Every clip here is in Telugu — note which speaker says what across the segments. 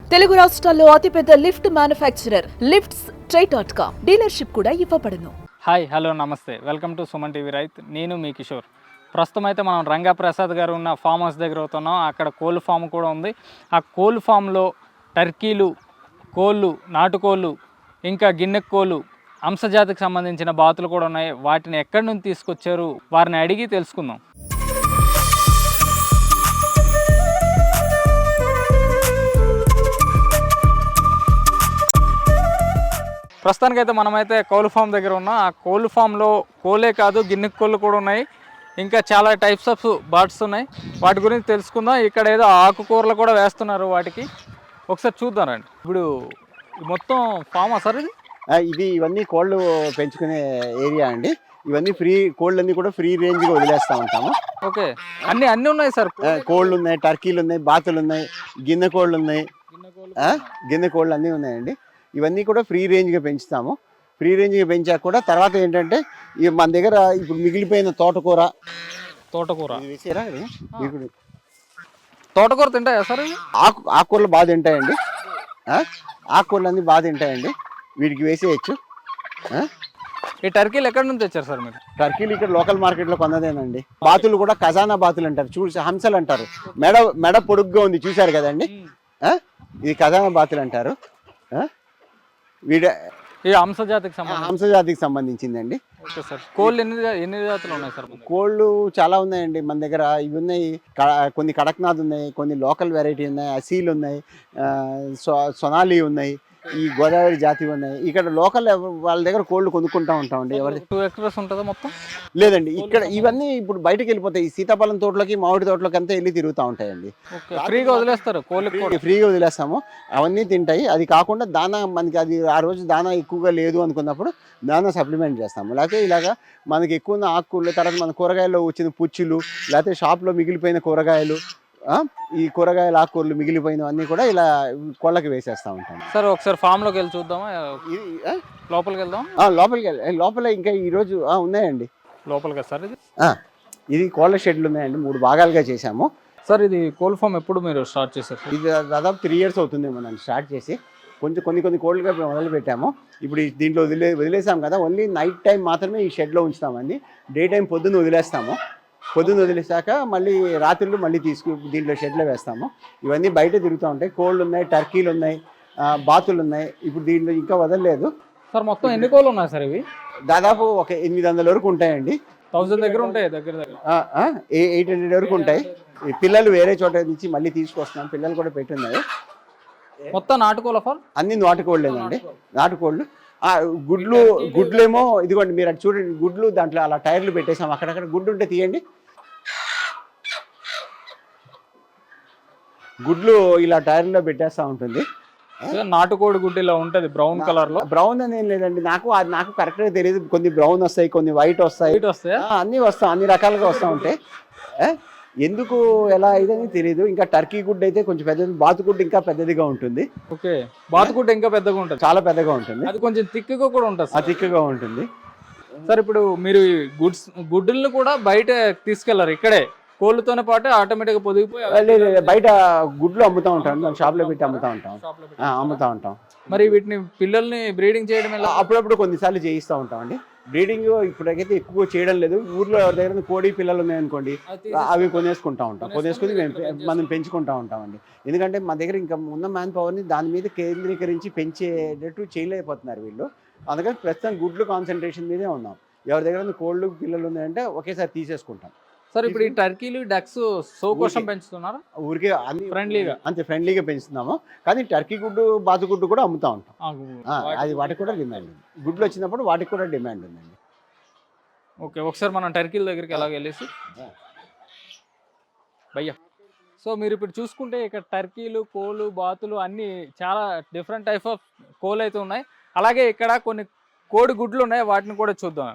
Speaker 1: తెలుగు రాష్ట్రాల్లో అతిపెద్ద లిఫ్ట్ మ్యానుఫ్యాక్చరర్ లిఫ్ట్స్ ట్రై.com డీలర్షిప్ కూడా ఇవ్వబడును.
Speaker 2: హాయ్ హలో నమస్తే, వెల్కమ్ టు సుమన్ టీవీ రైత్. నేను మీ కిషోర్. ప్రస్తుతం అయితే మనం రంగాప్రసాద్ గారు ఉన్న ఫామ్ హౌస్ దగ్గర అవుతున్నాం. అక్కడ కోళ్ళు ఫామ్ కూడా ఉంది. ఆ కోళ్ళు ఫామ్లో టర్కీలు, కోళ్ళు, నాటుకోళ్ళు, ఇంకా గిన్నె కోళ్ళు, అంశజాతికి సంబంధించిన బాతులు కూడా ఉన్నాయి. వాటిని ఎక్కడి నుంచి తీసుకొచ్చారు వారిని అడిగి తెలుసుకుందాం. ప్రస్తుతానికైతే మనమైతే కోళ్ళు ఫామ్ దగ్గర ఉన్నాం. ఆ కోళ్ళు ఫామ్లో కోళ్ళే కాదు, గిన్నె కోళ్ళు కూడా ఉన్నాయి. ఇంకా చాలా టైప్స్ ఆఫ్ బర్డ్స్ ఉన్నాయి. వాటి గురించి తెలుసుకుందాం. ఇక్కడ ఏదో ఆకుకూరలు కూడా వేస్తున్నారు. వాటికి ఒకసారి చూద్దాం రండి. ఇప్పుడు మొత్తం ఫామ్ సార్
Speaker 3: ఇది ఇవన్నీ కోళ్ళు పెంచుకునే ఏరియా అండి. ఇవన్నీ ఫ్రీ కోళ్ళన్నీ కూడా ఫ్రీ రేంజ్గా వదిలేస్తూ ఉంటాము.
Speaker 2: ఓకే, అన్నీ ఉన్నాయి సార్.
Speaker 3: కోళ్ళు ఉన్నాయి, టర్కీలు ఉన్నాయి, బాతులు ఉన్నాయి, గిన్నె కోళ్ళు ఉన్నాయి, గిన్నె కోళ్ళు అన్నీ ఉన్నాయండి. ఇవన్నీ కూడా ఫ్రీ రేంజ్గా పెంచుతాము. ఫ్రీ రేంజ్గా పెంచాక కూడా తర్వాత ఏంటంటే మన దగ్గర ఇప్పుడు మిగిలిపోయిన తోటకూర వేసారా,
Speaker 2: తోటకూర తింటాయా సార్?
Speaker 3: ఆకుకూరలు బాగా తింటాయండి. ఆకుకూరలు అన్నీ బాగా తింటాయండి. వీటికి వేసేయచ్చు.
Speaker 2: ఈ టర్కీలు ఎక్కడి నుంచి తెచ్చారు సార్ మీరు?
Speaker 3: టర్కీలు ఇక్కడ లోకల్ మార్కెట్లో కొన్నదేనండి. బాతులు కూడా ఖజానా బాతులు అంటారు, చూసి హంసలు అంటారు. మెడ పొడుగ్గా ఉంది, చూశారు కదండి. ఇది ఖజానా బాతులు అంటారు.
Speaker 2: ఈ
Speaker 3: హంసజాతికి సంబంధించిందండి.
Speaker 2: Okay sir. కోళ్ళు ఎన్ని జాతులు ఉన్నాయి సార్?
Speaker 3: కోళ్ళు చాలా ఉన్నాయండి మన దగ్గర. ఇవి ఉన్నాయి, కొన్ని కడక్నాథ్ ఉన్నాయి, కొన్ని లోకల్ వెరైటీ ఉన్నాయి, అసీలు ఉన్నాయి, సొనాలి ఉన్నాయి, ఈ గోదావరి జాతి ఉన్నాయి. ఇక్కడ లోకల్ వాళ్ళ దగ్గర కోళ్ళు కొనుక్కుంటా ఉంటామండి. ఎవరి
Speaker 2: 2 ఎక్స్ప్రెస్ ఉంటుందా మొత్తం?
Speaker 3: లేదండి, ఇక్కడ ఇవన్నీ ఇప్పుడు బయటకు వెళ్ళిపోతాయి. ఈ సీతాఫలం తోటలోకి, మామిడి తోటలోకి అంతా వెళ్ళి తిరుగుతూ ఉంటాయండి.
Speaker 2: ఫ్రీగా వదిలేస్తారు కోళ్ళకి?
Speaker 3: ఫ్రీగా వదిలేస్తాము, అవన్నీ తింటాయి. అది కాకుండా దానా, మనకి అది ఆ రోజు దానా ఎక్కువగా లేదు అనుకున్నప్పుడు దానా సప్లిమెంట్ చేస్తాము. లేకపోతే ఇలాగా మనకి ఎక్కువ ఉన్న ఆకుకూరలు, తర్వాత మన కూరగాయల్లో వచ్చిన పుచ్చులు, లేకపోతే షాప్లో మిగిలిపోయిన కూరగాయలు, ఈ కూరగాయల ఆకుకూరలు మిగిలిపోయినవన్నీ కూడా ఇలా కోళ్ళకి వేసేస్తూ ఉంటాం.
Speaker 2: సార్ ఒకసారి ఫామ్ లోకి వెళ్ళి చూద్దామా? లోపలికి వెళ్దాం.
Speaker 3: లోపల ఇంకా ఈరోజు ఉన్నాయండి.
Speaker 2: లోపలికి సార్
Speaker 3: ఇది కోళ్ళ షెడ్లు ఉన్నాయండి. 3 భాగాలుగా చేశాము.
Speaker 2: సార్ ఇది కోళ్ళ ఫామ్ ఎప్పుడు మీరు స్టార్ట్ చేశారు?
Speaker 3: ఇది దాదాపు 3 years అవుతుంది మనం స్టార్ట్ చేసి. కొన్ని కోళ్ళుగా మొదలు పెట్టాము. ఇప్పుడు దీంట్లో వదిలేసాం కదా, ఓన్లీ నైట్ టైం మాత్రమే ఈ షెడ్లో ఉంచుతామండి. డే టైం పొద్దున్న వదిలేస్తాము. పొద్దున్న వదిలేసాక మళ్ళీ రాత్రులు మళ్ళీ దీంట్లో షెడ్లో వేస్తాము. ఇవన్నీ బయట తిరుగుతూ ఉంటాయి. కోళ్ళు ఉన్నాయి, టర్కీలు ఉన్నాయి, బాతులు ఉన్నాయి. ఇప్పుడు దీంట్లో ఇంకా వదలలేదు
Speaker 2: సార్. మొత్తం ఎన్ని కోళ్ళు ఉన్నాయి సార్? ఇవి
Speaker 3: దాదాపు ఒక 800 వరకు ఉంటాయండి.
Speaker 2: 1000 దగ్గర ఉంటాయి, దగ్గర
Speaker 3: 800 వరకు ఉంటాయి. ఈ పిల్లలు వేరే చోట నుంచి మళ్ళీ తీసుకొస్తున్నాం. పిల్లలు కూడా పెట్టున్నాయి.
Speaker 2: మొత్తం నాటుకోళ్ళ ఫామ్?
Speaker 3: అన్ని నాటుకోళ్ళేనండి. నాటుకోళ్ళు. గుడ్లేమో ఇదిగోండి, మీరు అటు చూడండి. గుడ్లు దాంట్లో అలా టైర్లు పెట్టేసాం. అక్కడక్కడ గుడ్డు ఉంటే తీయండి. గుడ్లు ఇలా టైర్లో పెట్టేస్తూ ఉంటుంది.
Speaker 2: నాటుకోడి గుడ్డు ఇలా ఉంటుంది బ్రౌన్ కలర్ లో.
Speaker 3: బ్రౌన్ అని ఏం లేదండి, నాకు కరెక్ట్గా తెలియదు. కొన్ని బ్రౌన్ వస్తాయి, కొన్ని వైట్ వస్తాయి, అన్ని అన్ని రకాలుగా వస్తూ ఉంటాయి. ఎందుకు ఎలా ఇదని తెలియదు. ఇంకా టర్కీ గుడ్డు అయితే కొంచెం పెద్దది, బాతుగుడ్డు ఇంకా పెద్దదిగా ఉంటుంది.
Speaker 2: ఓకే, బాతుగుడ్డు ఇంకా పెద్దగా ఉంటుంది,
Speaker 3: చాలా పెద్దగా ఉంటుంది.
Speaker 2: అది కొంచెం థిక్గా కూడా ఉంటుంది.
Speaker 3: థిక్గా ఉంటుంది
Speaker 2: సార్. ఇప్పుడు మీరు గుడ్డులను కూడా బయట తీసుకెళ్లారు? ఇక్కడే కోళ్ళతోనే పాటు ఆటోమేటిక్గా పొదిగిపోయి
Speaker 3: బయట గుడ్లు అమ్ముతూ ఉంటాం. షాప్లో పెట్టి అమ్ముతూ ఉంటాం.
Speaker 2: మరి వీటిని పిల్లల్ని బ్రీడింగ్ చేయడం ఎలా?
Speaker 3: అప్పుడప్పుడు కొన్నిసార్లు చేయిస్తూ ఉంటాం అండి. బ్రీడింగ్ ఇప్పటికైతే ఎక్కువ చేయడం లేదు. ఊర్లో ఎవరి దగ్గర కోడి పిల్లలు ఉన్నాయనుకోండి, అవి కొనేసుకుని మనం పెంచుకుంటూ ఉంటామండి. ఎందుకంటే మా దగ్గర ఇంకా ఉన్న మ్యాన్ పవర్ని దాని మీద కేంద్రీకరించి పెంచేటట్టు చేయలేకపోతున్నారు వీళ్ళు. అందుకని ప్రస్తుతం గుడ్లు కాన్సన్ట్రేషన్ మీదే ఉన్నాం. ఎవరి దగ్గర కోళ్ళు పిల్లలు ఉన్నాయంటే ఒకేసారి తీసేసుకుంటాం.
Speaker 2: సార్ ఇప్పుడు ఈ టర్కీలు, డక్స్ షో కోసం పెంచుతున్నారా?
Speaker 3: ఊరికే అన్ని
Speaker 2: ఫ్రెండ్లీగా,
Speaker 3: అంతే ఫ్రెండ్లీగా పెంచుతున్నాము. కానీ టర్కీ గుడ్డు, బాతుగుడ్డు కూడా అమ్ముతూ ఉంటాం. అది వాటికి కూడా డిమాండ్ ఉంది. గుడ్లు వచ్చినప్పుడు వాటికి కూడా డిమాండ్ ఉందండి.
Speaker 2: ఓకే, ఒకసారి మనం టర్కీల దగ్గరికి ఎలాగ వెళ్ళేసి భయ్యా. సో మీరు ఇప్పుడు చూసుకుంటే ఇక్కడ టర్కీలు, కోళ్ళు, బాతులు అన్నీ చాలా డిఫరెంట్ టైప్ ఆఫ్ కోళ్ళు అయితే ఉన్నాయి. అలాగే ఇక్కడ కొన్ని కోడి గుడ్లు ఉన్నాయి, వాటిని కూడా చూద్దాం.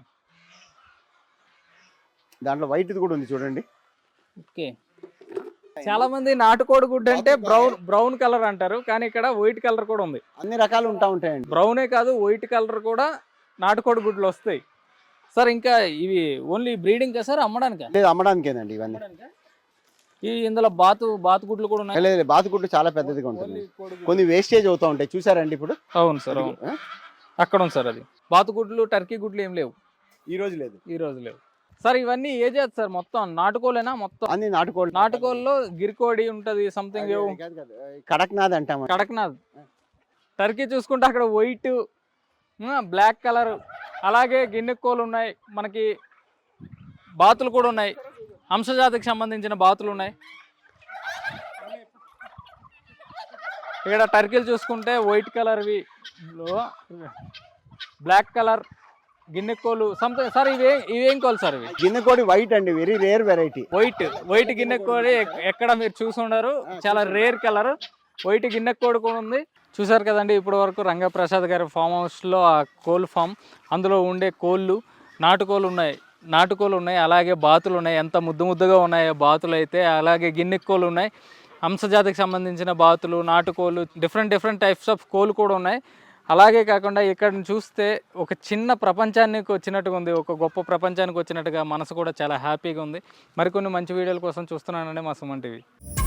Speaker 3: దాంట్లో వైట్ కూడా ఉంది చూడండి.
Speaker 2: ఓకే, చాలా మంది నాటుకోడి గుడ్డు అంటే బ్రౌన్ కలర్ అంటారు, కానీ ఇక్కడ వైట్ కలర్ కూడా ఉంది.
Speaker 3: అన్ని రకాలు ఉంటాయండి.
Speaker 2: బ్రౌనే కాదు, వైట్ కలర్ కూడా నాటుకోడి గుడ్లు వస్తాయి. సార్ ఇంకా ఇవి ఓన్లీ బ్రీడింగ్ సార్, అమ్మడానికా?
Speaker 3: లేదు, అమ్మడానికేనండి ఇవన్నీ.
Speaker 2: ఇందులో బాతుగుడ్లు కూడా ఉన్నాయి.
Speaker 3: లేదు బాతుగుడ్డు చాలా పెద్దదిగా ఉంటుంది, కొన్ని వేస్టేజ్ అవుతూ ఉంటాయి చూసారండి ఇప్పుడు.
Speaker 2: అవును సార్, అవును. అక్కడ ఉంది సార్, అది బాతుగుడ్లు టర్కీ గుడ్లు ఏం లేవు
Speaker 3: ఈ రోజు లేవు
Speaker 2: సార్. ఇవన్నీ ఏ జాతి సార్? మొత్తం నాటుకోలేనా? మొత్తం
Speaker 3: అన్ని నాటుకోళ్ళు.
Speaker 2: నాటుకోళ్ళలో గిరికోడి ఉంటది, సంథింగ్
Speaker 3: కడక్నాథ్ అంటాం.
Speaker 2: కడక్నాథ్. టర్కీ చూసుకుంటే అక్కడ వైట్, బ్లాక్ కలర్, అలాగే గిన్నెకోలు ఉన్నాయి, మనకి బాతులు కూడా ఉన్నాయి, హంసజాతికి సంబంధించిన బాతులు ఉన్నాయి. ఇక్కడ టర్కీలు చూసుకుంటే వైట్ కలర్వి, బ్లాక్ కలర్ గిన్నెకోలు సంథింగ్ సార్. ఇవేం కోలు సార్? ఇవి
Speaker 3: గిన్నెకోడి వైట్ అండి, వెరీ రేర్ వెరైటీ.
Speaker 2: వైట్ గిన్నెకోడి ఎక్కడ మీరు చూసుండరు, చాలా రేర్ కలర్. వైట్ గిన్నెకోడి కూడా ఉంది. చూసారు కదండి ఇప్పటి వరకు రంగప్రసాద్ గారి ఫామ్ హౌస్లో ఆ కోల్ ఫామ్, అందులో ఉండే కోళ్ళు, నాటుకోలు ఉన్నాయి, అలాగే బాతులు ఉన్నాయి. ఎంత ముద్దుగా ఉన్నాయో బాతులు అయితే. అలాగే గిన్నెకోలు ఉన్నాయి, హంసజాతికి సంబంధించిన బాతులు, నాటుకోలు, డిఫరెంట్ టైప్స్ ఆఫ్ కోళ్ళు కూడా ఉన్నాయి. అలాగే కాకుండా ఇక్కడ చూస్తే ఒక చిన్న ప్రపంచానికి వచ్చినట్టుగా ఉంది, ఒక గొప్ప ప్రపంచానికి వచ్చినట్టుగా మనసు కూడా చాలా హ్యాపీగా ఉంది. మరికొన్ని మంచి వీడియోల కోసం చూస్తున్నానండి మా సుమన్ టీవీ.